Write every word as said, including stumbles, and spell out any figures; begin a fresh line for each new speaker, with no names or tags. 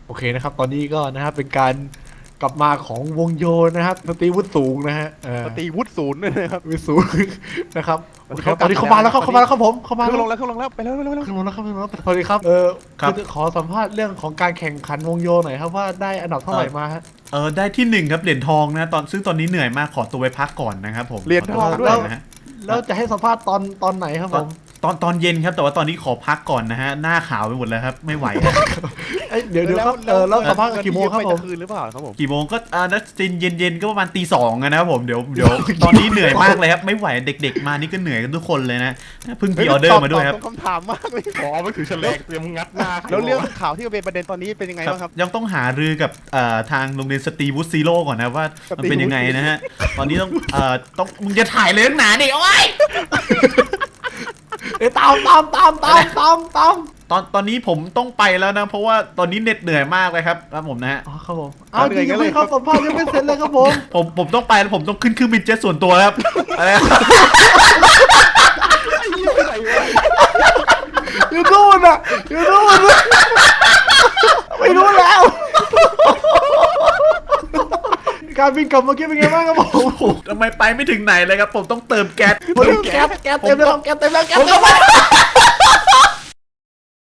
โอเคนะครับตอนนี้ก็นะครับเป็นการกลับมาของวงโยนะครับสตรีวุฒิสูงนะฮะเออ
ปฏิวุฒิศูนย์ด้วยนะครับ
วุฒิสูงนะครับ
ตอนนี้
โอเคครับตอนนี้
เขา
เข้าก
ลับ
มาแล้วครับ
มาแล้ว
เข้ามาแล้วครับผมเข้ามา
เครื่อง
แล้ว
ลงแล้วเครื่องลงแล้วไปแล้วไปแล้วไปแล้ว
ขึ้นลงแล้วครับขึ้นลงแล้วสวัสดีครับเออ
ครับ
อขอสัมภาษณ์เรื่องของการแข่งขันวงโยหน่อยครับว่าได้อันดับเท่าไหร่มาฮะ
เออได้ที่หนึ่งครับเหรียญทองนะตอนซึ่งตอนนี้เหนื่อยมากขอตัวไปพักก่อนนะครับผม
เหรียญทองด้วย
ขตัวไปพักก่นนะฮะ
แล้วจะให้สัมภาษณ์ตอนตอนไหนครับ
ต
ผ
อน
ม
ตอนตอนเย็นครับแต่ว่าตอนนี้ขอพักก่อนนะฮะหน้าขาวไปหมดแล้วครับไม่ไหวแล้ว
เอ้ยเดี๋ยวเดี๋ยวครับเออแล้วสัมภาษณ์กันกี่โมงครับผม
คืนหรือเปล่าครับผม
กี่โมงก็อ่านัดจินเย็นๆก็ประมาณตีสองนะครับผมเดี๋ยวเดี๋ยวตอนนี้เหนื่อยมากเลยครับไม่ไหวเด็กๆมานี่ก็เหนื่อยกันทุกคนเลยนะเพิ่งพีออเดอร์มาด้วยครับ
ตอบคำถามมากเลย
ขอไปถือแฉลงเตรียมงัดหน้า
แล้วเรื่องข่าวที่เป็นประเด็นตอนนี้เป็นยังไงบ้างครับ
ยังต้องหารือกับเอ่อทางโรงเรียนสตรีวูดซีโร่ก่อนนะว่ามันเป็นยังไงนะฮะตอนนี้ต้องเอ่อต้องมึงจะถ่ายเลยนักหนาดิโอ้ย
เอ้ยตามตามตามตามตามตาม
ตอนตอนนี้ผมต้องไปแล้วนะเพราะว่าตอนนี้เหน็ดเหนื่อยมากเลยครับครับผมนะฮะ
อ๋อครับผมอ้าวจริงๆไม่ครับสัมภาษณ์ยังไม่เสร็จเลยครับผม
ผมผมต้องไปแล้วผมต้องขึ้นเครื่องบินเจ็ตส่วนตัวครับอะไรนะ
อยู่นู่นอ่ะอยู่นู่นอะไม่รู้แล้ว การบินกลับเมื่อกี้เป็นไงบ้างครับผม
โอ้โหทำไมไปไม่ถึงไหนเลยครับผมต้องเติมแก๊ส
แก๊สแก๊สเต็มแล้วครับแก๊สเต็มแล้วแก๊สเต็มแล้ว